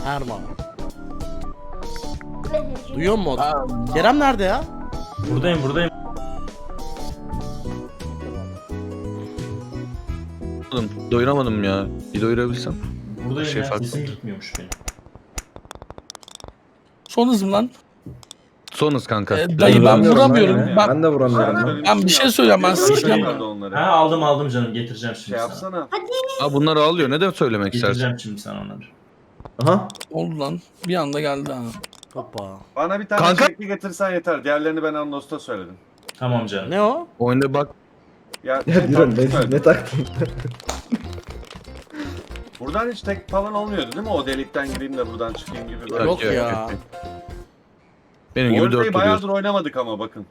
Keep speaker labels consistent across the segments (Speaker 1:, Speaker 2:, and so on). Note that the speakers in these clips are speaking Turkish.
Speaker 1: Erman. Duyuyor musun? Kerem nerede ya?
Speaker 2: Buradayım.
Speaker 3: Doyuramadım ya. Bir doyurabilsem.
Speaker 2: Buradayım
Speaker 3: Şey
Speaker 2: ya.
Speaker 3: farklı.
Speaker 2: Sesim gitmiyormuş benim.
Speaker 4: Son hızım lan.
Speaker 3: Son hız kanka.
Speaker 4: Dayı ben
Speaker 5: Vuramıyorum
Speaker 4: vuramıyorum.
Speaker 5: lan ya.
Speaker 4: Bak
Speaker 5: Ben de vuramıyorum lan.
Speaker 4: ben bir şey söyleyeceğim, ben sikeceğim.
Speaker 6: Nerede onları?
Speaker 2: Ha aldım canım, getireceğim şimdi
Speaker 6: Şey
Speaker 2: sana.
Speaker 6: yapsana.
Speaker 3: Aa bunlar ağlıyor. Ne de söylemek istersin?
Speaker 2: Getireceğim şimdi sana onları.
Speaker 5: Aha.
Speaker 4: Oldu lan. Bir anda geldi ha.
Speaker 1: Hoppa.
Speaker 6: Bana bir tane
Speaker 3: Kanka-
Speaker 6: şekli getirsen yeter. Diğerlerini ben Anlos'ta söyledim.
Speaker 2: Tamam canım.
Speaker 1: Ne o?
Speaker 3: Oyunda bak.
Speaker 6: Ya,
Speaker 5: Ya Diren ne taktın?
Speaker 6: Buradan hiç tek falan olmuyordu değil mi? O delikten gireyim de buradan çıkayım gibi böyle.
Speaker 1: Yok ya.
Speaker 3: Benim
Speaker 6: Bu
Speaker 3: gibi
Speaker 6: haritayı
Speaker 3: 4
Speaker 6: bayağıdır
Speaker 3: duruyor.
Speaker 6: oynamadık ama bakın.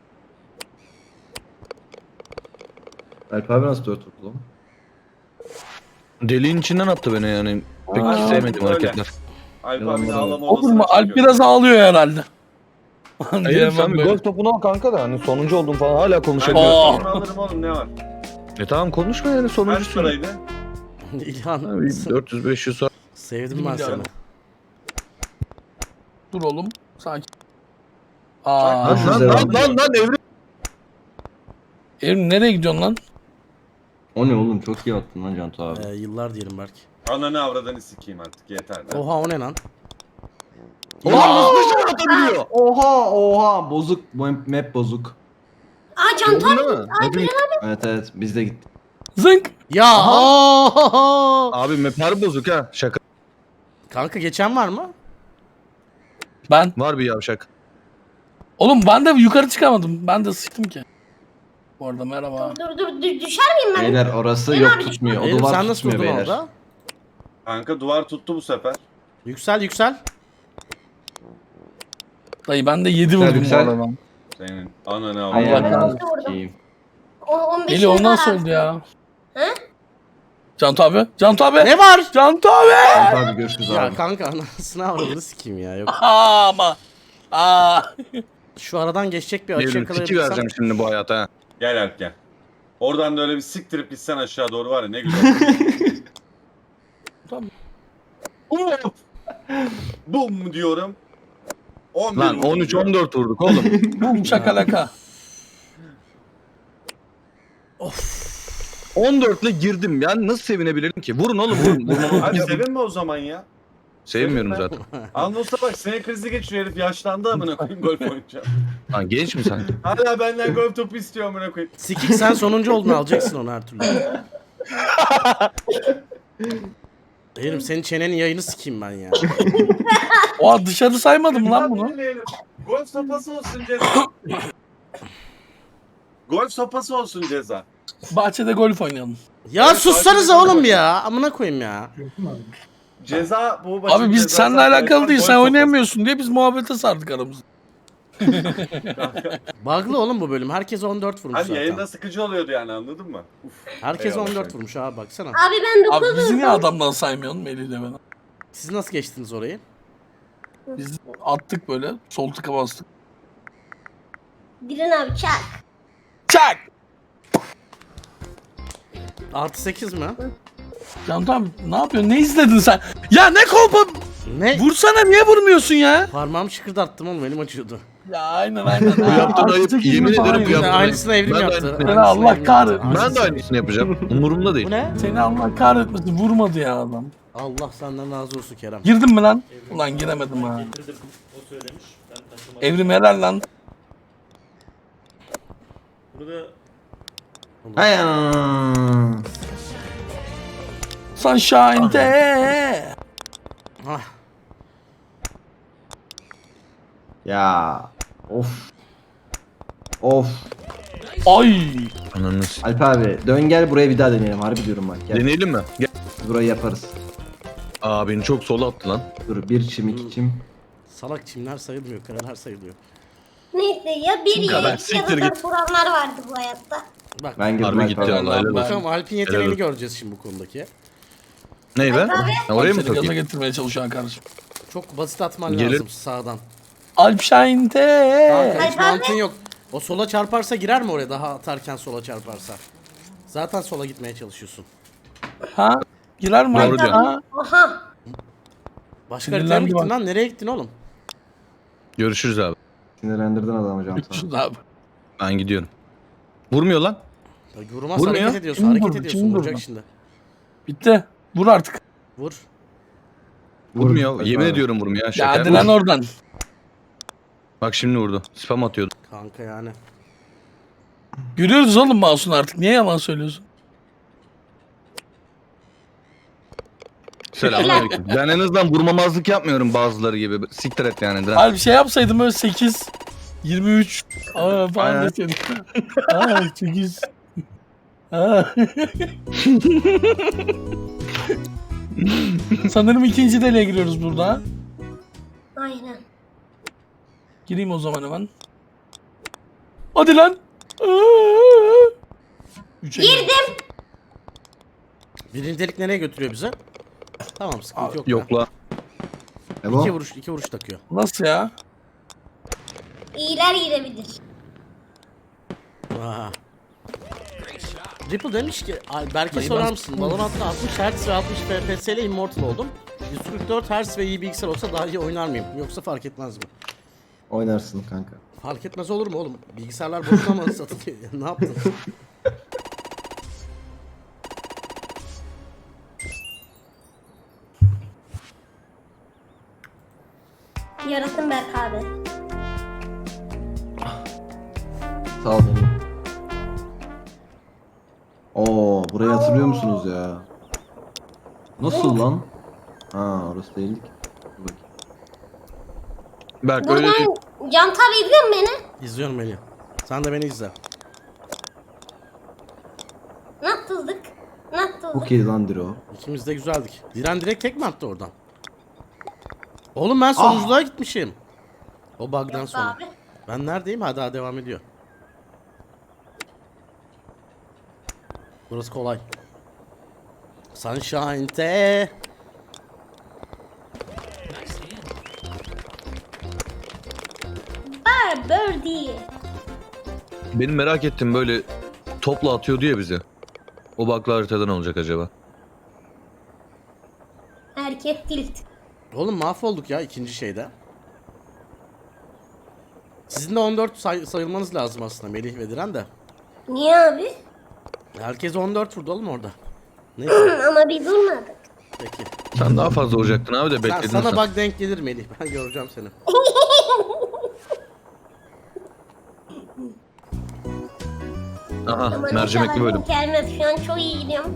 Speaker 5: Alp abi nasıl 4 vurdu lan?
Speaker 3: Deliğin içinden attı beni yani. Pek
Speaker 4: Aa,
Speaker 3: sevmedim
Speaker 6: öyle.
Speaker 3: hareketler.
Speaker 6: Alp
Speaker 5: Yalan
Speaker 6: abinin
Speaker 5: yalan.
Speaker 6: ağlama
Speaker 4: Olur
Speaker 6: odasına
Speaker 4: mu? Alp
Speaker 6: çekiyor.
Speaker 4: biraz ağlıyor herhalde.
Speaker 3: Hayır
Speaker 4: Diyemem
Speaker 3: sen bir
Speaker 4: böyle.
Speaker 3: golf topunu al kanka da hani sonuncu oldun falan hala
Speaker 6: Ben
Speaker 3: konuşabiliyorsun.
Speaker 4: Aa.
Speaker 6: gösterimi alırım oğlum, ne var?
Speaker 3: Tamam konuşma yani
Speaker 6: Kaç
Speaker 3: sonuncusun.
Speaker 6: paraydı?
Speaker 1: İlhan.
Speaker 3: 400-500 sonra.
Speaker 1: Sevdim ben seni.
Speaker 4: Dur oğlum. Sakin. Aa.
Speaker 5: Lan,
Speaker 3: Lan evrim.
Speaker 4: Evrim nereye gidiyorsun lan?
Speaker 5: O ne oğlum, çok iyi attın lan Cantu abi.
Speaker 1: Yıllar diyelim belki.
Speaker 6: Ananı avradanı sikeyim artık yeter. de.
Speaker 1: Oha o ne lan?
Speaker 3: Ulan nasıl dışarı atabiliyor?
Speaker 5: Oha bozuk, bu map bozuk.
Speaker 7: Aa Cantu abi.
Speaker 3: Değil mi? Hepimiz-
Speaker 5: Evet biz de gittik.
Speaker 4: Zınk.
Speaker 1: Ya
Speaker 3: Abi mapar bozuk ha. Şaka.
Speaker 1: Kanka geçen var mı?
Speaker 4: Ben.
Speaker 3: Var bir yavşak.
Speaker 4: Oğlum ben de yukarı çıkamadım. Ben de sıktım ki. Bu arada merhaba.
Speaker 7: Dur düşer miyim ben?
Speaker 5: Beyler orası yok tutmuyor. O
Speaker 1: Eylül
Speaker 5: duvar
Speaker 1: sen nasıl
Speaker 5: tutmuyor
Speaker 1: durdun
Speaker 5: beyler.
Speaker 1: orada?
Speaker 6: Kanka duvar tuttu bu sefer.
Speaker 1: Yüksel.
Speaker 4: Dayı ben de 7
Speaker 5: Güzel,
Speaker 4: vurdum bu
Speaker 5: güzel.
Speaker 4: arada.
Speaker 6: Senin ananı
Speaker 4: Allah
Speaker 6: avradanı.
Speaker 4: kahretsin.
Speaker 5: Sikeyim.
Speaker 7: 15
Speaker 4: Eli o
Speaker 7: var
Speaker 4: nasıl
Speaker 7: abi.
Speaker 4: oldu ya?
Speaker 7: He?
Speaker 4: Cantu abi. Cantu abi.
Speaker 1: Ne var?
Speaker 4: Cantu abi.
Speaker 5: Cantu abi görüşürüz
Speaker 1: Ya
Speaker 5: abi.
Speaker 1: kanka anasını avradını sikeyim ya. Yok.
Speaker 4: Aa, ama. Aa.
Speaker 1: Şu aradan geçecek bir açı
Speaker 3: Evrim tiki
Speaker 1: yakalayabilirsem.
Speaker 3: vereceğim şimdi bu hayata ha.
Speaker 6: Gel Alp gel. Oradan da öyle bir siktirip gitsen aşağı doğru var ya ne güzel.
Speaker 4: Tamam.
Speaker 6: Bum diyorum. 11
Speaker 3: Lan
Speaker 6: vurdum diyorum.
Speaker 3: 13-14 vurduk oğlum.
Speaker 4: Bum şakalaka.
Speaker 3: 14 ile girdim ya nasıl sevinebilirim ki? Vurun oğlum vurun.
Speaker 6: Abi sevinme o zaman ya.
Speaker 3: Sevmiyorum zaten.
Speaker 6: Anlos'a bak sinir krizi geçiriyor herif yaşlandı amına koyayım golf oynayacağım.
Speaker 3: Lan genç mi sen?
Speaker 6: Hala benden golf topu istiyor amına koyayım.
Speaker 1: Sikik sen sonuncu oldun alacaksın onu her türlü. Eğrim senin çenenin yayını sikeyim ben ya.
Speaker 4: Oha dışarı saymadım lan bunu.
Speaker 6: Dinleyelim. Golf sopası olsun ceza. Golf sopası olsun ceza.
Speaker 4: Bahçede golf oynayalım.
Speaker 1: Ya sussanıza oğlum ya. Amına koyayım ya.
Speaker 6: Ceza bu maçın
Speaker 4: Abi biz
Speaker 6: cezası
Speaker 4: seninle alakalı
Speaker 6: arkadaşlar,
Speaker 4: değil.
Speaker 6: golf
Speaker 4: Sen
Speaker 6: sopası.
Speaker 4: oynayamıyorsun diye biz muhabbete sardık aramızda.
Speaker 1: Bug'lı oğlum bu bölüm. Herkes 14 vurmuş
Speaker 6: Hani
Speaker 1: zaten.
Speaker 6: yayında sıkıcı oluyordu yani anladın mı? Uf.
Speaker 1: Herkes
Speaker 6: Eyvallah
Speaker 1: 14
Speaker 6: kanka.
Speaker 1: vurmuş abi baksana.
Speaker 7: Abi ben
Speaker 4: Abi
Speaker 7: 9
Speaker 4: bizi niye
Speaker 7: vurdum.
Speaker 4: adamdan saymıyorsun Melih'le ben?
Speaker 1: Siz nasıl geçtiniz orayı?
Speaker 4: Biz attık böyle. Sol tıka bastık.
Speaker 7: Diren abi çak.
Speaker 4: Çak!
Speaker 1: Artı 8 mi?
Speaker 4: Cantu abi ne yapıyorsun? Ne izledin sen? Ya ne kolpa?
Speaker 1: Ne?
Speaker 4: Vursana niye vurmuyorsun ya?
Speaker 1: Parmağımı şıkırdattım oğlum elim acıyordu.
Speaker 4: Ya aynen.
Speaker 3: Bu yaptığın ayıp. Yemin ederim bu
Speaker 1: Ya,
Speaker 3: yaptığın
Speaker 1: aynısını Evrim
Speaker 3: Ben de
Speaker 1: yaptı.
Speaker 3: aynısını-
Speaker 1: Aynısını
Speaker 4: Allah
Speaker 1: Evrim
Speaker 4: kahretsin.
Speaker 1: yaptı.
Speaker 3: Ben de aynısını yapacağım. Umurumda değil.
Speaker 1: Bu ne?
Speaker 4: Seni Allah kahretmesin vurmadı ya adam.
Speaker 1: Allah senden razı olsun Kerem.
Speaker 4: Girdin mi lan? Ulan giremedim ha.
Speaker 2: Getirdim. O söylemiş. Ben taşımadım.
Speaker 4: Evrim helal lan.
Speaker 2: Burada
Speaker 5: Hay ana.
Speaker 4: Sunshine'de.
Speaker 1: Ah.
Speaker 5: Ya. Of.
Speaker 4: Ay.
Speaker 3: Ananı s-
Speaker 5: Alp abi dön gel buraya bir daha deneyelim. Harbi diyorum bak. Gel.
Speaker 3: Deneyelim mi? Gel.
Speaker 5: Burayı yaparız.
Speaker 3: Aa beni çok sola attı lan.
Speaker 5: Dur bir çim iki çim.
Speaker 1: Salak çimler sayılmıyor, kareler sayılıyor.
Speaker 7: Neyse ya bir
Speaker 3: kadar?
Speaker 7: ya iki ya
Speaker 3: Siktir
Speaker 7: da
Speaker 3: git.
Speaker 7: dört vuranlar vardı bu hayatta.
Speaker 1: Bak.
Speaker 5: Ben girdim
Speaker 3: Harbi
Speaker 5: Alp
Speaker 3: gitti
Speaker 5: abi.
Speaker 3: Allah helal olsun.
Speaker 1: Bakalım Alp'in yeteneğini
Speaker 3: Helal.
Speaker 1: göreceğiz şimdi bu konudaki.
Speaker 3: Ney be?
Speaker 7: Abi.
Speaker 3: Ha, oraya mı
Speaker 4: Seni gaza
Speaker 3: takayım?
Speaker 4: getirmeye çalışan kardeşim.
Speaker 1: Çok basit atman
Speaker 3: Gelir.
Speaker 1: lazım sağdan.
Speaker 4: Alp Shine'de.
Speaker 1: Kanka hiç
Speaker 7: Alp abi.
Speaker 1: mantığın yok. O sola çarparsa girer mi oraya daha atarken sola çarparsa? Zaten sola gitmeye çalışıyorsun.
Speaker 4: Ha? Girer mi?
Speaker 3: Doğru diyorsun.
Speaker 4: Ha?
Speaker 7: Aha.
Speaker 1: Başka haritaya mı
Speaker 4: Sinirlendi
Speaker 1: gittin
Speaker 4: bak.
Speaker 1: lan? Nereye gittin oğlum?
Speaker 3: Görüşürüz abi.
Speaker 5: Sinirlendirdin adamı Can sana.
Speaker 4: Şurada abi.
Speaker 3: Ben gidiyorum. Vurmuyor lan.
Speaker 1: Ya vurmaz,
Speaker 3: Vurmuyor.
Speaker 1: hareket ediyorsun.
Speaker 4: Kim
Speaker 1: Hareket
Speaker 4: vurdu?
Speaker 1: ediyorsun.
Speaker 4: Kim
Speaker 1: Vuracak
Speaker 4: vurdu?
Speaker 1: şimdi.
Speaker 4: Bitti. Vur artık.
Speaker 1: Vur.
Speaker 3: Vurmuyor.
Speaker 5: Vur.
Speaker 3: Yemin
Speaker 5: Abi.
Speaker 3: ediyorum vurmuyor.
Speaker 4: Ya
Speaker 3: Şaka.
Speaker 4: hadi lan oradan.
Speaker 3: Bak şimdi vurdu. Spam atıyordu.
Speaker 1: Kanka yani.
Speaker 4: Görüyoruz oğlum mouse'unu artık. Niye yalan söylüyorsun?
Speaker 3: Selamünaleyküm. Ben en azından vurmamazlık yapmıyorum bazıları gibi. Siktir et yani. Diren.
Speaker 4: Abi bir şey yapsaydım böyle 8, 23 falan
Speaker 3: Aynen.
Speaker 4: deseydim. Aa 8. Aa. Sanırım ikinci deliğe giriyoruz burada.
Speaker 7: Aynen.
Speaker 4: Gireyim o zaman hemen. Hadi lan. Üçe
Speaker 7: Girdim.
Speaker 1: Birinci delik nereye götürüyor bize? Tamam, sıkıntı yok.
Speaker 3: Yok la.
Speaker 5: Ebo.
Speaker 1: İki vuruş takıyor.
Speaker 4: Nasıl ya?
Speaker 7: İyiler girebilir.
Speaker 1: Aha. Ripple demiş ki, Berke
Speaker 4: Dayı
Speaker 1: sorar
Speaker 4: ben-
Speaker 1: mısın? Valorant'ta 60 Hz ve 60 FPS ile Immortal oldum. 144 Hz ve iyi bilgisayar olsa daha iyi oynar mıyım? Yoksa fark etmez mi?
Speaker 5: Oynarsın kanka.
Speaker 1: Fark etmez olur mu oğlum? Bilgisayarlar boşuna mı satılıyor? Ne yaptın?
Speaker 7: Yaratın Berk abi.
Speaker 5: Sağ ol benim. Oo, burayı hatırlıyor musunuz ya? Nasıl lan? Ha, orası değildik. Dur bakayım.
Speaker 3: Berk öyle değil.
Speaker 7: Buradan Can abi izliyor mu beni?
Speaker 1: İzliyorum Melih. Sen de beni izle.
Speaker 7: Nasıldık? Nasıldık?
Speaker 5: Çok iyi lan Diro.
Speaker 1: İkimiz de güzeldik. Diren direkt tek mi attı oradan? Oğlum ben sonunculuğa gitmişim. O bug'dan sonra.
Speaker 7: Abi.
Speaker 1: Ben neredeyim? Ha, daha devam ediyor. Burası kolay. Sunshine'te.
Speaker 7: Birdie.
Speaker 3: Benim merak ettiğim böyle topla atıyordu ya bize. O bakla haritadan olacak acaba?
Speaker 7: Herkes tilt.
Speaker 1: Oğlum mahvolduk ya ikinci şeyde. Sizin de 14 sayılmanız lazım aslında Melih ve Diren de.
Speaker 7: Niye abi?
Speaker 1: Herkes 14 vurdu oğlum orada. Neyse
Speaker 7: Ama biz durmadık.
Speaker 1: peki.
Speaker 3: Sen daha fazla vuracaktın abi de
Speaker 1: Sen,
Speaker 3: bekledin
Speaker 1: sana
Speaker 3: sen.
Speaker 1: bak denk gelir Melih. Ben göreceğim seni.
Speaker 3: Aha
Speaker 7: Ama
Speaker 3: mercimekli
Speaker 7: inşallah
Speaker 3: bölüm.
Speaker 7: gelmez. Şu an çok iyi gidiyorum.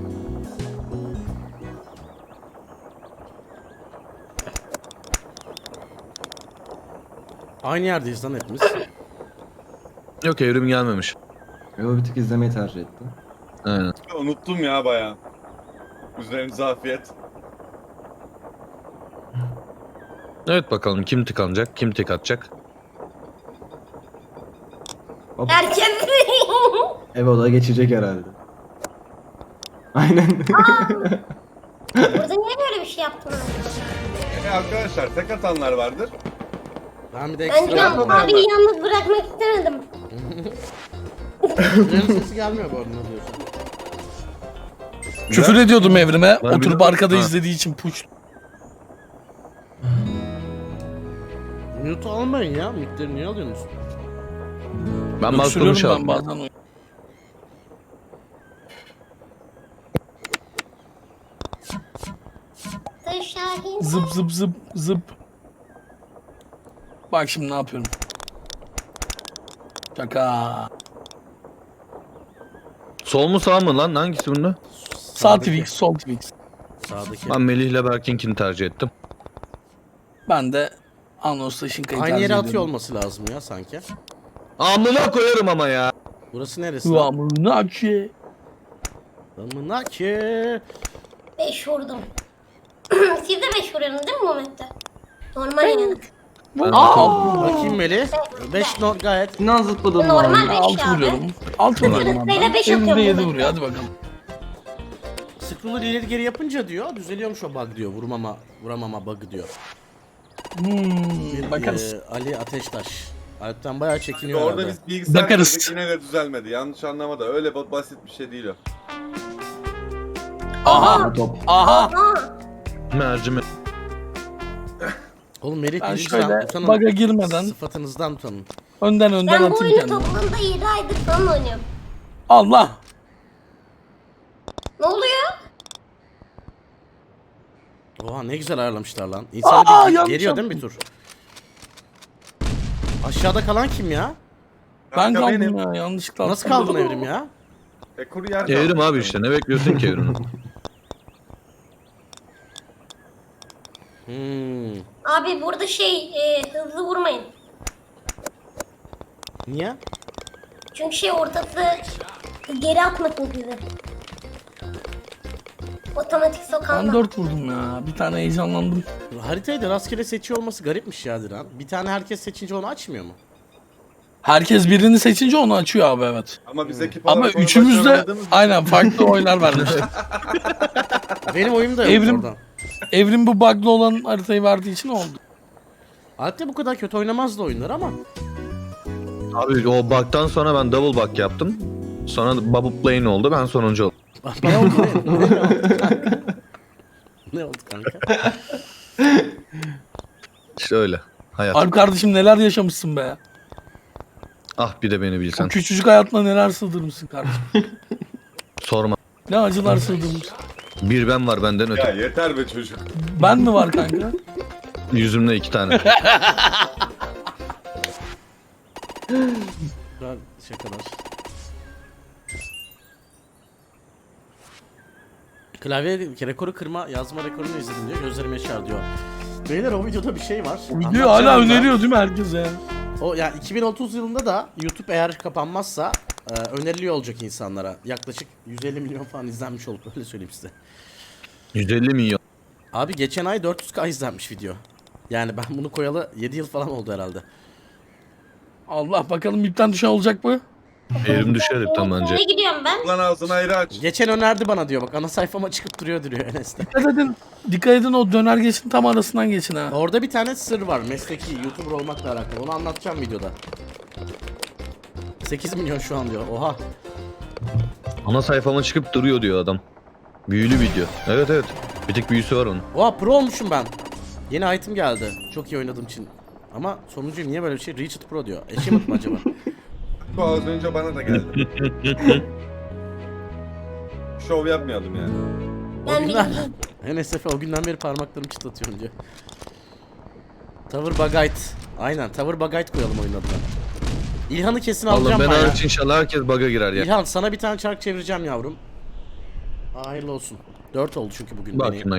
Speaker 1: Aynı yerdeyiz lan hepimiz.
Speaker 3: Yok evrim gelmemiş.
Speaker 5: Ebo bir tık izlemeyi tercih etti.
Speaker 3: Aynen.
Speaker 6: Unuttum ya baya. Üzerinize afiyet.
Speaker 3: Evet bakalım kim tıkanacak, kim tık atacak.
Speaker 7: Herkes.
Speaker 5: Ebo da geçecek herhalde. Aynen.
Speaker 7: Burada niye böyle bir şey yaptın abi?
Speaker 6: Arkadaşlar tek atanlar vardır.
Speaker 1: Ben bir de
Speaker 7: Ben
Speaker 1: ekstra
Speaker 7: Can
Speaker 1: yapmam.
Speaker 7: abiyi yalnız bırakmak istemedim.
Speaker 1: Diren'in sesi gelmiyor bu arada ne diyorsun?
Speaker 4: Küfür ediyordum evrime.
Speaker 3: Ben
Speaker 4: Oturup
Speaker 3: biliyorum.
Speaker 4: arkada
Speaker 3: Ha.
Speaker 4: izlediği için puç.
Speaker 1: Mute almayın ya. Mute'leri niye alıyorsunuz?
Speaker 3: Ben bastırmış
Speaker 4: Öksürüyorum ben
Speaker 3: aldım.
Speaker 4: bazen. oyun.
Speaker 7: Şahin.
Speaker 4: Zıp zıp zıp zıp. Bak şimdi ne yapıyorum. Şaka.
Speaker 3: Sol mu sağ mı lan? Hangisi bunda?
Speaker 4: Sağ Twix, sol Twix.
Speaker 1: Sağdaki.
Speaker 3: Ben Melih ile Berk'inkini tercih ettim.
Speaker 4: Ben de Anons Taşınka'yı
Speaker 1: Aynı
Speaker 4: tercih
Speaker 1: yere
Speaker 4: ediyorum.
Speaker 1: atıyor olması lazım ya sanki.
Speaker 3: Amına koyarım ama ya.
Speaker 1: Burası neresi? lan?
Speaker 4: Kıvamını ki.
Speaker 1: Amına ki.
Speaker 7: 5 vurdum. Siz de 5 vuruyorsunuz değil mi Muhammed'de? Normal yani.
Speaker 1: Bakayım Melih. 5 not gayet.
Speaker 5: İnan zıpladım
Speaker 7: Normal
Speaker 5: lan.
Speaker 7: 5
Speaker 4: 6
Speaker 7: abi.
Speaker 4: vuruyorum. 6 vuruyorum abi.
Speaker 7: Sırasıyla beş
Speaker 4: Evrimde
Speaker 7: atıyorum
Speaker 4: 7
Speaker 7: ben.
Speaker 4: vuruyor hadi bakalım.
Speaker 1: Scroller ileri geri yapınca diyor düzeliyormuş o bug diyor. Vuramama bug diyor.
Speaker 4: Bakarız.
Speaker 1: Ali Ateştaş. Alp'ten bayağı çekiniyor
Speaker 6: Orada
Speaker 1: herhalde.
Speaker 6: biz bilgisayar
Speaker 4: Bakarız.
Speaker 6: kırdık, yine de düzelmedi. Yanlış anlama da öyle basit bir şey değil o.
Speaker 4: Aha.
Speaker 5: Bu top.
Speaker 4: Aha.
Speaker 7: Aa,
Speaker 3: Mercimek.
Speaker 1: Oğlum Melih
Speaker 4: Ben
Speaker 1: birinci
Speaker 4: şöyle
Speaker 1: utanın.
Speaker 4: bug'a girmeden
Speaker 1: Sıfatınızdan utanın.
Speaker 4: önden
Speaker 7: Ben bu
Speaker 4: atayım
Speaker 7: oyunu
Speaker 4: kendimi.
Speaker 7: toplamda 7 aydır falan oynuyorum.
Speaker 4: Allah.
Speaker 7: Ne oluyor?
Speaker 1: Oha ne güzel ayarlamışlar lan. İnsan
Speaker 4: Aa,
Speaker 1: bir
Speaker 4: yanlış
Speaker 1: geliyor değil mi bir tur? Aşağıda kalan kim ya?
Speaker 4: Ben
Speaker 6: Kanka
Speaker 4: kaldım
Speaker 6: benim.
Speaker 4: ya yanlışlıkla.
Speaker 1: Nasıl
Speaker 4: attım.
Speaker 1: kaldın Evrim ya?
Speaker 6: Kuru yer
Speaker 3: Evrim
Speaker 6: kaldı.
Speaker 3: abi işte, ne bekliyorsun ki Evrim'den?
Speaker 1: Hmm.
Speaker 7: Abi burada hızlı vurmayın.
Speaker 1: Niye?
Speaker 7: Çünkü ortası geri atmasın sizi. Otomatik
Speaker 4: Ben
Speaker 7: sokağında.
Speaker 4: 4 vurdum ya. Bir tane heyecanlandım.
Speaker 1: Haritayı da rastgele seçiyor olması garipmiş ya Diren. Bir tane herkes seçince onu açmıyor mu?
Speaker 4: Herkes birini seçince onu açıyor abi, evet.
Speaker 6: Ama biz ekip
Speaker 4: Ama
Speaker 6: olarak onu
Speaker 4: üçümüz de
Speaker 6: başaramadığımız için-
Speaker 4: aynen farklı oylar vermiştik.
Speaker 1: Benim oyum da yok
Speaker 4: Evrim-
Speaker 1: oradan.
Speaker 4: Evrim bu bug'lı olan haritayı verdiği için oldu.
Speaker 1: Alp'te bu kadar kötü oynamazdı oyunlar ama.
Speaker 3: Abi o bug'dan sonra ben double bug yaptım. Sonra bubble plane oldu, ben sonuncu oldum.
Speaker 1: Ne oldu kanka? Ne oldu kanka?
Speaker 3: İşte öyle. Hayat.
Speaker 4: Alp kardeşim neler yaşamışsın be.
Speaker 3: Ah bir de beni
Speaker 4: O
Speaker 3: bilsen.
Speaker 4: küçücük hayatına neler sığdırmışsın kardeşim.
Speaker 3: Sorma.
Speaker 4: Ne acılar sığdırmışsın.
Speaker 3: Bir ben var benden
Speaker 6: Ya
Speaker 3: öte.
Speaker 6: yeter be çocuk.
Speaker 4: Ben mi var kanka?
Speaker 3: Yüzümde 2 tane.
Speaker 1: Güzel şakalar. Klavye rekoru kırma yazma rekorunu izledim diyor. Gözlerim yaşar diyor. Beyler o videoda bir şey var.
Speaker 4: Video hala
Speaker 1: Anlatacağım da.
Speaker 4: öneriyor değil mi herkese?
Speaker 1: O ya 2030 yılında da YouTube eğer kapanmazsa öneriliyor olacak insanlara. Yaklaşık 150 milyon falan izlenmiş olup öyle söyleyeyim size.
Speaker 3: 150 milyon.
Speaker 1: Abi geçen ay 400k izlenmiş video. Yani ben bunu koyalı 7 yıl falan oldu herhalde.
Speaker 4: Allah bakalım ipten düşen olacak mı?
Speaker 3: Evrim düşer hepten bence.
Speaker 7: Ne gidiyorum ben?
Speaker 6: Lan ağzını ayrı aç.
Speaker 1: Geçen önerdi bana diyor bak ana sayfama çıkıp duruyor Enes'te.
Speaker 4: Dikkat edin o döner geçin tam arasından geçin ha.
Speaker 1: Orada bir tane sır var mesleki YouTuber olmakla alakalı. Onu anlatacağım videoda. 8 milyon şu an diyor. Oha.
Speaker 3: Ana sayfama çıkıp duruyor diyor adam. Büyülü video. Evet evet. Bir tek büyüsü var onun.
Speaker 1: Oha pro olmuşum ben. Yeni item geldi. Çok iyi oynadığım için. Ama sonuncuyum niye böyle bir şey? Reached Pro diyor. Achievement mı acaba?
Speaker 6: Bu az önce bana da geldi. Şov yapmayalım yani.
Speaker 1: O
Speaker 7: Ben
Speaker 1: günden...
Speaker 7: bilmiyorum.
Speaker 1: NSF o günden beri parmaklarımı çıtlatıyorum diyor. Tower Bagite. Aynen Tower Bagite koyalım oyun adına. İlhan'ı kesin
Speaker 3: Vallahi
Speaker 1: alacağım
Speaker 3: ben
Speaker 1: ben ya.
Speaker 3: hariç inşallah herkes bug'a girer ya.
Speaker 1: İlhan sana bir tane çark çevireceğim yavrum. Hayırlı olsun. 4 oldu çünkü bugün
Speaker 3: Bak
Speaker 1: benim.
Speaker 3: şimdi.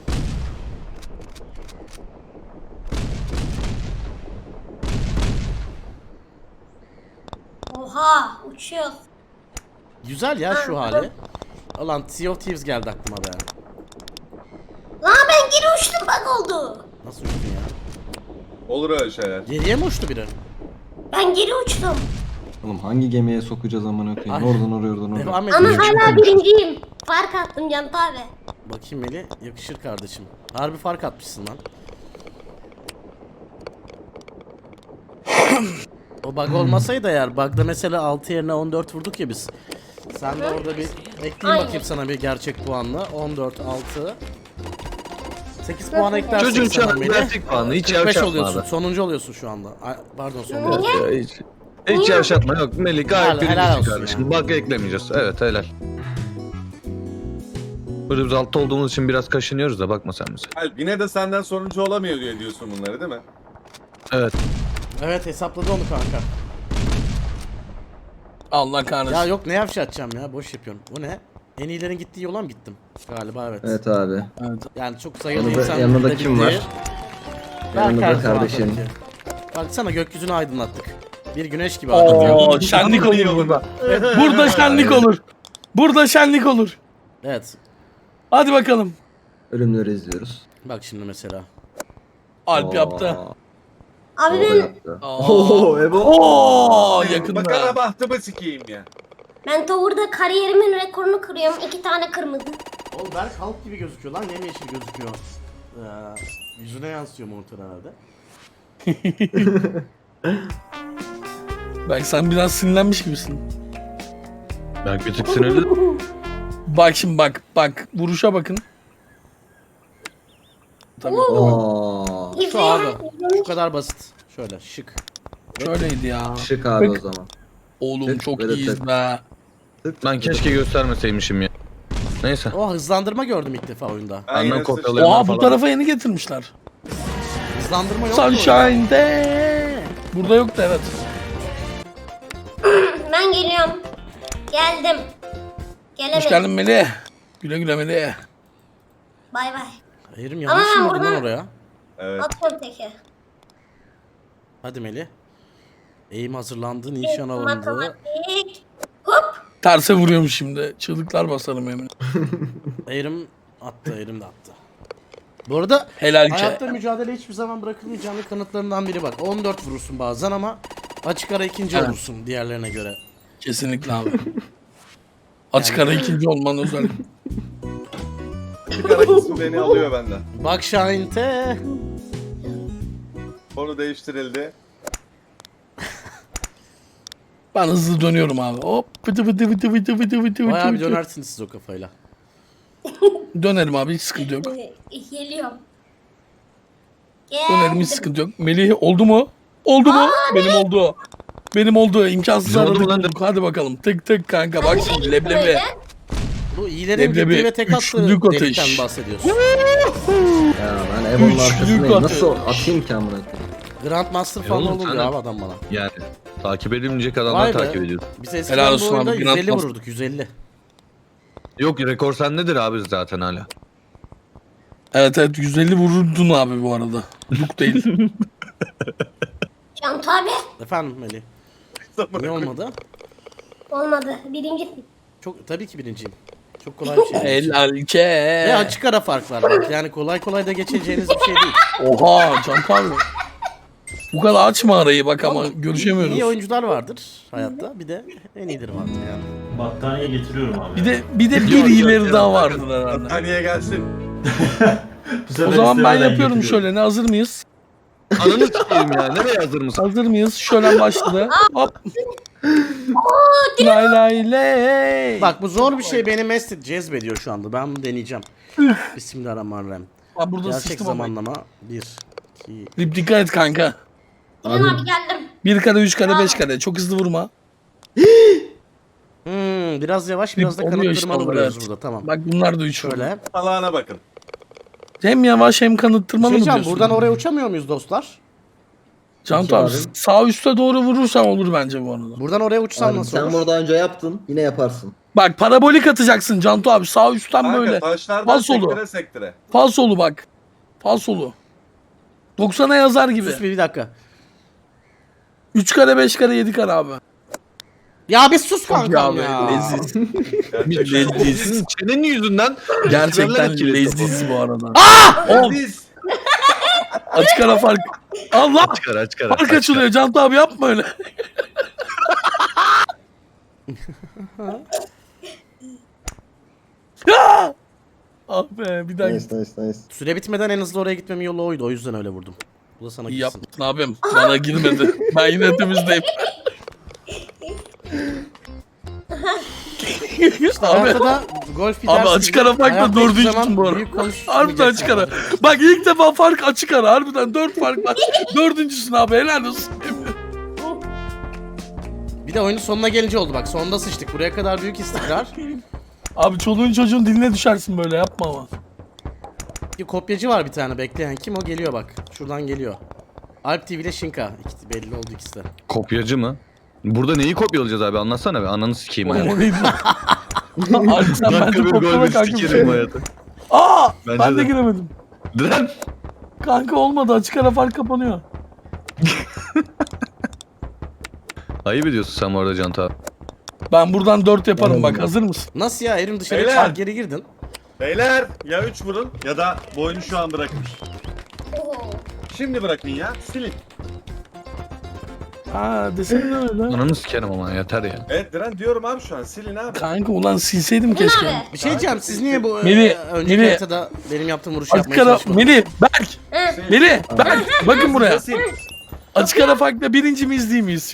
Speaker 7: Oha uçuyor.
Speaker 1: Güzel ya şu hali. Ulan Sea of Thieves geldi aklıma be.
Speaker 7: Lan ben geri uçtum bak oldu.
Speaker 1: Nasıl uçtun ya?
Speaker 6: Olur öyle şeyler.
Speaker 1: Geriye mi uçtu biri?
Speaker 7: Ben geri uçtum.
Speaker 5: Oğlum hangi gemiye sokacağız amına koyayım?
Speaker 1: Ay.
Speaker 5: Oradan oraya oradan oraya.
Speaker 1: Devam
Speaker 7: Ama
Speaker 1: edelim.
Speaker 7: hala birinciyim. Fark attım Can abi.
Speaker 1: Bakayım Melih yakışır kardeşim. Harbi fark atmışsın lan. O bug olmasaydı eğer bug'da mesela 6 yerine 14 vurduk ya biz. Sen de orada bir ekleyeyim
Speaker 7: Aynen.
Speaker 1: bakayım sana bir gerçek puanla. 14 6 8 puan eklersin
Speaker 3: Çocuğun şu
Speaker 1: sana
Speaker 3: an
Speaker 1: Melih.
Speaker 3: gerçek puanı hiç
Speaker 1: 45
Speaker 3: yavşatma
Speaker 1: oluyorsun.
Speaker 3: abi.
Speaker 1: Sonuncu oluyorsun şu anda. Ay, pardon sonuncu.
Speaker 7: Niye?
Speaker 3: Hiç yavşatma yok. Melih gayet
Speaker 1: Helal
Speaker 3: birincisin
Speaker 1: olsun
Speaker 3: kardeşim. Bug eklemeyeceğiz. Evet helal. Burada biz altta olduğumuz için biraz kaşınıyoruz da bakma sen bize.
Speaker 6: Alp yine de senden sonuncu olamıyor diye diyorsun bunları değil mi?
Speaker 3: Evet.
Speaker 1: Evet hesapladı onu kanka.
Speaker 4: Allah kahretsin.
Speaker 1: Ya yok ne yavşatacağım ya boş yapıyorum. Bu ne? En iyilerin gittiği yola mı gittim? Galiba evet.
Speaker 5: Evet abi.
Speaker 4: Evet.
Speaker 1: Yani çok sayılı
Speaker 5: Yanında-
Speaker 1: insan.
Speaker 5: yanında
Speaker 1: da
Speaker 5: kim
Speaker 1: gitti.
Speaker 5: var?
Speaker 1: Berk
Speaker 5: Yanında
Speaker 1: her zaman
Speaker 5: kardeşim.
Speaker 1: tabii ki. Baksana gökyüzünü aydınlattık. Bir güneş gibi aydınlatıyor.
Speaker 4: Oo şenlik olur burada. Burada şenlik olur. Burada şenlik olur.
Speaker 1: Evet.
Speaker 4: Hadi bakalım.
Speaker 5: Ölümleri izliyoruz.
Speaker 1: Bak şimdi mesela.
Speaker 4: Alp yaptı.
Speaker 7: Abi
Speaker 5: O
Speaker 7: ben
Speaker 5: yaptı.
Speaker 4: Oo.
Speaker 5: Oo Ebo.
Speaker 4: Oo
Speaker 6: Bakana
Speaker 4: yakında.
Speaker 6: bahtımı sikeyim ya.
Speaker 7: Tower'da kariyerimin rekorunu kırıyorum. 2 tane kırmızı.
Speaker 1: Oğlum Berk halk gibi gözüküyor lan. Yemyeşil gözüküyor. Yüzüne yansıyor monitör herhalde.
Speaker 4: Bak sen biraz sinirlenmiş gibisin.
Speaker 3: Ben bir tık sinirli.
Speaker 4: Bak şimdi bak vuruşa bakın. Tabii.
Speaker 5: Aa,
Speaker 7: İflas
Speaker 1: şu abi. Şu kadar basit. Şöyle şık.
Speaker 4: Şöyleydi ya.
Speaker 5: Şık abi o zaman.
Speaker 4: Oğlum
Speaker 5: Tık,
Speaker 4: çok
Speaker 5: böyle
Speaker 4: iyiyiz
Speaker 5: tık.
Speaker 4: be.
Speaker 3: Ben keşke göstermeseymişim ya. Neyse.
Speaker 1: Oh, hızlandırma gördüm ilk defa oyunda.
Speaker 6: Ben yine
Speaker 3: Benden
Speaker 6: sıçtım.
Speaker 3: kopyalayın
Speaker 4: Oha bu
Speaker 3: falan.
Speaker 4: tarafa yeni getirmişler.
Speaker 1: Hızlandırma yok mu oyunda?
Speaker 4: Sunshine'de. Burada yoktu evet.
Speaker 7: Ben geliyorum. Geldim. Gelemedim.
Speaker 4: Hoş geldin Melih. Güle güle Melih.
Speaker 7: Bay bay.
Speaker 1: Eğrim yanlış
Speaker 7: Ama ben
Speaker 1: mı lan
Speaker 7: buradan-
Speaker 1: oraya?
Speaker 6: Evet.
Speaker 7: Atıyorum teki.
Speaker 1: Hadi Melih. Eğim hazırlandı, nişan alındı.
Speaker 7: Matematik. Hop.
Speaker 4: Terse vuruyorum şimdi. Çığlıklar basarım emin.
Speaker 1: Eğrim attı, Eğrim de attı. Bu arada
Speaker 4: Helal
Speaker 1: hayatta
Speaker 4: ke.
Speaker 1: mücadele hiçbir zaman bırakılmayacağının kanıtlarından biri bak. 14 vurursun bazen ama açık ara ikinci
Speaker 4: Evet.
Speaker 1: olursun diğerlerine göre.
Speaker 4: Kesinlikle abi. Açık ara ikinci olman özel.
Speaker 6: Çıkarak ismi beni alıyor benden.
Speaker 1: Bak Şahinte.
Speaker 6: Konu değiştirildi.
Speaker 4: Ben hızlı dönüyorum abi. Hop. Pıtı pıtı pıtı pıtı pıtı pıtı
Speaker 1: Bayağı bir
Speaker 4: pıtı.
Speaker 1: dönersiniz siz o kafayla.
Speaker 4: Dönerim abi hiç sıkıntı yok.
Speaker 7: Geliyorum.
Speaker 4: Dönerim hiç sıkıntı yok. Melih oldu mu? Oldu mu? Benim oldu. Benim oldu. İmkansız
Speaker 3: Bizim oldu mu
Speaker 4: aradık
Speaker 3: lan?
Speaker 4: bulduk. Hadi bakalım. Tık tık kanka. Bak şimdi leblebi.
Speaker 7: Böyle.
Speaker 1: Bu iyilerin
Speaker 4: Leblebi,
Speaker 1: gittiği ve tek attığı
Speaker 4: üçlük ateş.
Speaker 1: delikten bahsediyorsun.
Speaker 5: Ya ben Evo'nun
Speaker 4: Üçlük
Speaker 5: arkasındayım. Nasıl
Speaker 4: atış.
Speaker 5: atayım ki amına koyayım?
Speaker 1: Grandmaster falan
Speaker 3: oğlum,
Speaker 1: olur
Speaker 3: sen
Speaker 1: ya
Speaker 3: de-
Speaker 1: abi adam bana.
Speaker 3: Yani takip edilmeyecek
Speaker 1: Vay
Speaker 3: adamları
Speaker 1: be.
Speaker 3: takip ediyoruz.
Speaker 1: Biz eskiden
Speaker 4: Helal
Speaker 1: bu
Speaker 4: olsun
Speaker 1: oyunda
Speaker 4: abi,
Speaker 1: 150
Speaker 4: Grandmaster.
Speaker 1: vururduk, 150.
Speaker 3: Yok rekor sendedir abi zaten hala.
Speaker 4: Evet evet 150 vururdun abi bu arada. Luk değil.
Speaker 7: Cantu abi.
Speaker 1: Efendim Melih. Niye olmadı?
Speaker 7: Olmadı. Birinci.
Speaker 1: Çok tabii ki birinciyim. Çok kolay bir şey. değil.
Speaker 4: Helal ke.
Speaker 1: Ve açık ara fark var bak. Yani kolay kolay da geçeceğiniz bir şey değil.
Speaker 4: Oha Cantu abi. Bu kadar açma arayı bak ama
Speaker 1: İyi
Speaker 4: görüşemiyoruz.
Speaker 1: oyuncular vardır hayatta. Bir de en iyidir vardır yani.
Speaker 2: Battaniye getiriyorum abi.
Speaker 4: Bir de bir iyileri daha vardı herhalde.
Speaker 6: Battaniye gelsin.
Speaker 2: Bu sefer
Speaker 4: O zaman ben
Speaker 2: istemeden
Speaker 4: yapıyorum
Speaker 2: getiriyorum.
Speaker 4: şöyle. Ne hazır mıyız?
Speaker 3: Ananı s**eyim ya. Nereye hazır mısın?
Speaker 4: Hazır mıyız? Şöyle başladı. Hop. Lay lay lay.
Speaker 1: Bak bu zor bir şey, beni mest cezbediyor şu anda. Ben bunu deneyeceğim. Bismillahirrahmanirrahim.
Speaker 4: Ben burada
Speaker 1: Gerçek
Speaker 4: sıçtım ama.
Speaker 1: zamanlama 1, 2,
Speaker 4: Rip dikkat et kanka.
Speaker 7: İnan abi geldim.
Speaker 4: 1 kare, 3 kare, 5 kare. Çok hızlı vurma.
Speaker 1: biraz yavaş, biraz da
Speaker 4: Oluyor
Speaker 1: kanıttırmalı
Speaker 4: işte onlar,
Speaker 1: vuruyoruz
Speaker 4: evet.
Speaker 1: burada, tamam.
Speaker 4: Bak bunlar da 3 vurdu.
Speaker 1: Şöyle.
Speaker 6: Allah'ına bakın.
Speaker 4: Hem yavaş hem kanıttırmalı mı
Speaker 1: Şeycan,
Speaker 4: diyorsun?
Speaker 1: buradan oraya uçamıyor muyuz dostlar?
Speaker 4: Cantu abi sağ üste doğru vurursan olur bence bu arada.
Speaker 1: Buradan oraya uçsan
Speaker 5: Abi,
Speaker 1: nasıl
Speaker 5: sen
Speaker 1: olur?
Speaker 5: burada önce yaptın. Yine yaparsın.
Speaker 4: Bak parabolik atacaksın Cantu abi. Sağ üstten
Speaker 6: Kanka
Speaker 4: böyle.
Speaker 6: taşlardan
Speaker 4: Falsolu.
Speaker 6: sektire sektire.
Speaker 4: Falsolu bak. Falsolu. 90'a yazar gibi.
Speaker 1: Sus bir dakika.
Speaker 4: 3 kare, 5 kare, 7 kare abi.
Speaker 1: Ya bir sus kankam
Speaker 4: Ya
Speaker 1: ya.
Speaker 4: be leziz.
Speaker 6: Gerçekten.
Speaker 4: leziz.
Speaker 3: Senin çenenin yüzünden
Speaker 4: Gerçekten
Speaker 3: etkiledi
Speaker 4: leziz bu arada.
Speaker 6: Biz.
Speaker 4: Açık ara fark. Allah!
Speaker 3: Çıkar.
Speaker 4: Fark açılıyor Cantu abi yapma öyle. Ya! Ah be bir daha git.
Speaker 5: Nice.
Speaker 1: Süre bitmeden en hızlı oraya gitmemin yolu oydu. O yüzden öyle vurdum. Bu da sana
Speaker 4: İyi
Speaker 1: gitsin.
Speaker 4: yaptın abim. Bana girmedi. Ben yine temizdeyim.
Speaker 1: İşte
Speaker 4: Abi.
Speaker 1: hayatta da golf bir
Speaker 4: Abi
Speaker 1: ders
Speaker 4: açık
Speaker 1: gibi.
Speaker 4: ara farkla
Speaker 1: Hayatta hiçbir
Speaker 4: dördüncü
Speaker 1: zaman
Speaker 4: bu arada.
Speaker 1: büyük konuşmayacaksın.
Speaker 4: Harbiden açık ara. Bak ilk defa fark açık ara. Harbiden 4 fark var. Dördüncüsün abi helal olsun.
Speaker 1: Bir de oyunun sonuna gelince oldu bak. Sonunda sıçtık. Buraya kadar büyük istikrar.
Speaker 4: Abi çoluğun çocuğun diline düşersin böyle yapma ama.
Speaker 1: Bir kopyacı var bir tane bekleyen. Kim o? Geliyor bak. Şuradan geliyor. Alp TV ile Shinka. Belli oldu ikisi de.
Speaker 3: Kopyacı mı? Burada neyi kopyalayacağız abi anlatsana be. Ananı sikeyim yani.
Speaker 4: O neydi? Abi sen bence
Speaker 3: Dakika bir
Speaker 4: kopyala
Speaker 3: gol bir
Speaker 4: kanka.
Speaker 3: sikerim hayatı.
Speaker 4: Aa!
Speaker 3: Bence
Speaker 4: Ben de
Speaker 3: de.
Speaker 4: giremedim.
Speaker 3: Lan!
Speaker 4: Kanka olmadı açık ara fark kapanıyor.
Speaker 3: Ayıp ediyorsun sen bu arada Cantu abi.
Speaker 4: Ben buradan 4 yaparım bak hazır mısın?
Speaker 1: Nasıl ya? Erim dışarı
Speaker 6: Beyler.
Speaker 1: çıkar geri girdin.
Speaker 6: Beyler ya 3 vurun ya da bu oyunu şu an bırakın.
Speaker 7: Oo.
Speaker 6: Şimdi bırakın ya. Silin.
Speaker 4: Ha desene öyle.
Speaker 3: Ananı sikerim ama yeter ya.
Speaker 6: Evet Diren diyorum abi şu an. Silin abi.
Speaker 4: Kanka ulan silseydim
Speaker 7: İnan
Speaker 4: keşke.
Speaker 7: abi.
Speaker 1: Bir şey diyeceğim. Siz niye bu
Speaker 4: Melih,
Speaker 1: önceki
Speaker 4: Melih.
Speaker 1: haritada benim yaptığım vuruşu
Speaker 4: Açık
Speaker 1: yapmaya
Speaker 4: ara
Speaker 1: çalışmadınız?
Speaker 4: Melih, Berk,
Speaker 7: Hı.
Speaker 4: Melih, Berk. Bakın buraya.
Speaker 6: Sil.
Speaker 4: Açık ara farkla birinci miyiz değil miyiz?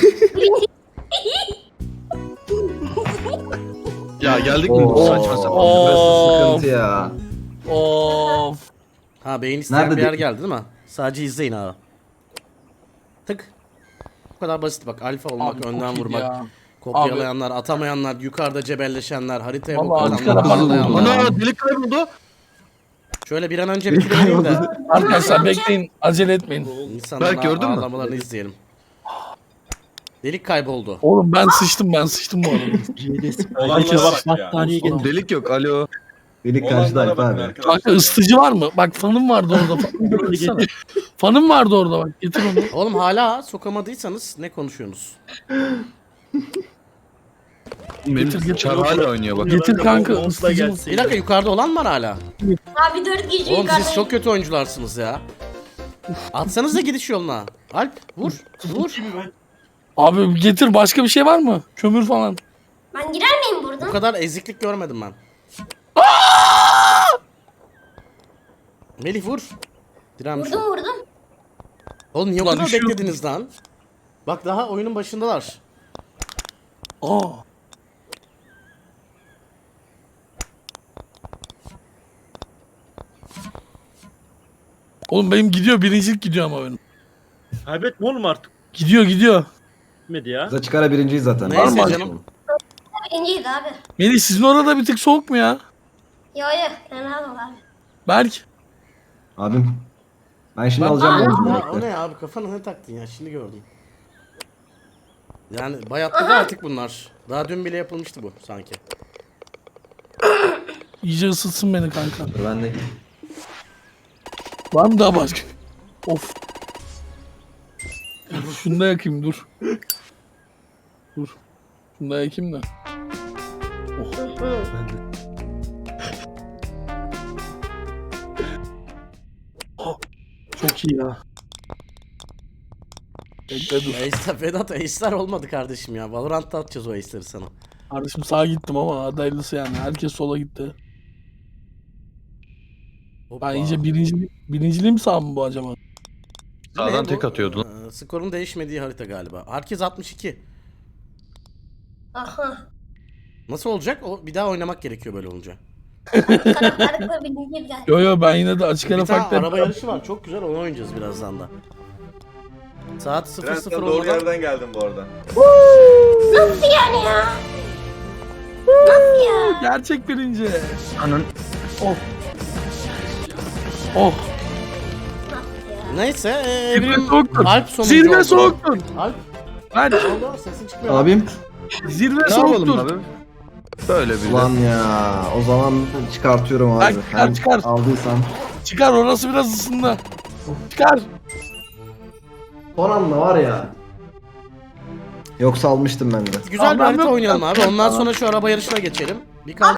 Speaker 3: Ya geldik mi bu saçma sapan?
Speaker 4: Oo.
Speaker 5: Sıkıntı ya.
Speaker 4: Of.
Speaker 1: Ha beyin isteyen
Speaker 5: Nerede
Speaker 1: bir yer
Speaker 5: de-
Speaker 1: geldi değil mi? Sadece izleyin abi. Tık. Bu kadar basit bak. Alfa olmak,
Speaker 4: Abi çok
Speaker 1: önden
Speaker 4: iyiydi
Speaker 1: vurmak,
Speaker 4: ya.
Speaker 1: kopyalayanlar, atamayanlar, yukarıda cebelleşenler, haritaya
Speaker 4: Vallahi
Speaker 1: bok
Speaker 4: arkada
Speaker 1: atanlar,
Speaker 4: bak-
Speaker 1: atlayanlar.
Speaker 3: Ana delik kayboldu.
Speaker 1: Şöyle bir an önce bitirelim de
Speaker 4: Arkadaşlar bekleyin. Acele etmeyin.
Speaker 1: insanların
Speaker 3: Berk, gördün mü?
Speaker 1: ağlamalarını izleyelim. Delik kayboldu.
Speaker 4: Oğlum ben sıçtım bu arada.
Speaker 6: Olanlara bak ya.
Speaker 3: Oğlum delik yok. Alo.
Speaker 5: Delik karşıda
Speaker 6: Olanlara
Speaker 5: Alp
Speaker 6: bakın
Speaker 5: abi.
Speaker 6: arkadaşlar
Speaker 4: Kanka
Speaker 6: ya.
Speaker 4: ısıtıcı var mı? Bak fanım vardı orada. Fanım baksana. Fanım vardı orada bak. Getir onu.
Speaker 1: Oğlum hala sokamadıysanız ne konuşuyorsunuz?
Speaker 3: Benim çar hala oynuyor bak.
Speaker 4: Getir kanka ısıtıcı mı?
Speaker 1: Bir dakika, yukarıda olan var hala.
Speaker 7: Abi 4 kişi
Speaker 1: Oğlum
Speaker 7: yukarıda.
Speaker 1: siz çok kötü oyuncularsınız ya. Atsanız da gidiş yoluna. Alp vur. Vur.
Speaker 4: Abi getir başka bir şey var mı? Kömür falan.
Speaker 7: Ben girer miyim
Speaker 1: Bu
Speaker 7: buradan?
Speaker 1: kadar eziklik görmedim ben. Melih vur. Direnmiş.
Speaker 7: Vurdum.
Speaker 1: Oğlum niye o
Speaker 4: Ulan
Speaker 1: kadar
Speaker 4: düşüyor.
Speaker 1: beklediniz lan? Bak daha oyunun başındalar.
Speaker 4: Aa. Oğlum benim gidiyor. Birincilik gidiyor ama benim.
Speaker 8: Kaybetme oğlum artık.
Speaker 4: Gidiyor.
Speaker 8: Gitmedi ya.
Speaker 5: Bize çıkara birinciyiz zaten.
Speaker 1: Neyse
Speaker 5: Var mı?
Speaker 1: canım.
Speaker 7: Birinciydi abi.
Speaker 4: Melih sizin orada bir tık soğuk mu ya?
Speaker 7: Yo fena ol abi.
Speaker 4: Berk.
Speaker 5: Abim. Ben şimdi
Speaker 4: Ben-
Speaker 5: alacağım oğlum.
Speaker 1: Ya, o ne ya abi, kafana ne taktın ya, şimdi gördüm. Yani bayatladı artık bunlar. Daha dün bile yapılmıştı bu sanki.
Speaker 4: İyice ısıtsın beni kanka.
Speaker 5: Dur ben de.
Speaker 4: Var mı daha başka? Of. Şunu da yakayım dur. Dur. Şunu da yakayım da. Oh, çok iyi ya. Bekle dur.
Speaker 1: Ace'ler, Vedat Ace'ler olmadı kardeşim ya. Valorant'ta atacağız o Ace'leri sana.
Speaker 4: Kardeşim sağa gittim ama hadi hayırlısı yani. Herkes sola gitti.
Speaker 1: Hoppa.
Speaker 4: Ben iyice birinciliğim mi sağ mı bu acaba?
Speaker 3: Sağdan
Speaker 1: Ne
Speaker 3: tek
Speaker 1: bu?
Speaker 3: atıyordu lan.
Speaker 1: Skorun değişmediği harita galiba. Herkes 62.
Speaker 7: Aha.
Speaker 1: Nasıl olacak? O bir daha oynamak gerekiyor böyle olunca.
Speaker 7: Karakterlikle birinciydi galiba.
Speaker 4: Yo ben yine de açık ara
Speaker 1: Bir tane
Speaker 4: farklı.
Speaker 1: araba yarışı var. Çok güzel, onu oynayacağız birazdan da. Saat 00
Speaker 6: Trend'den doğru
Speaker 1: olmadan
Speaker 6: yerden geldim bu arada.
Speaker 7: Nasıl yani ya? Nasıl ya?
Speaker 4: Gerçek birinci.
Speaker 3: Anın.
Speaker 4: Oh. Oh.
Speaker 1: neyse
Speaker 4: Zirve
Speaker 1: Evrim
Speaker 4: soğuktur.
Speaker 1: Alp sonuncu
Speaker 4: Zirve
Speaker 1: oldu.
Speaker 4: soğuktur.
Speaker 1: Alp
Speaker 4: Ben
Speaker 1: oldu, sesin çıkmıyor.
Speaker 5: Abim.
Speaker 4: zirve
Speaker 3: Ne yapalım
Speaker 4: soğuktur.
Speaker 3: abi? Böyle bir
Speaker 5: Ulan ya. O zaman çıkartıyorum abi.
Speaker 4: Bak, çıkar,
Speaker 5: Hem
Speaker 4: çıkar.
Speaker 5: aldıysam.
Speaker 4: Çıkar orası biraz ısındı. Çıkar.
Speaker 5: Son anda var ya. Yoksa almıştım ben de.
Speaker 1: Güzel bir
Speaker 4: Tamam,
Speaker 1: harita
Speaker 4: yok.
Speaker 1: oynayalım abi. Ondan sonra şu araba yarışına geçelim. Bir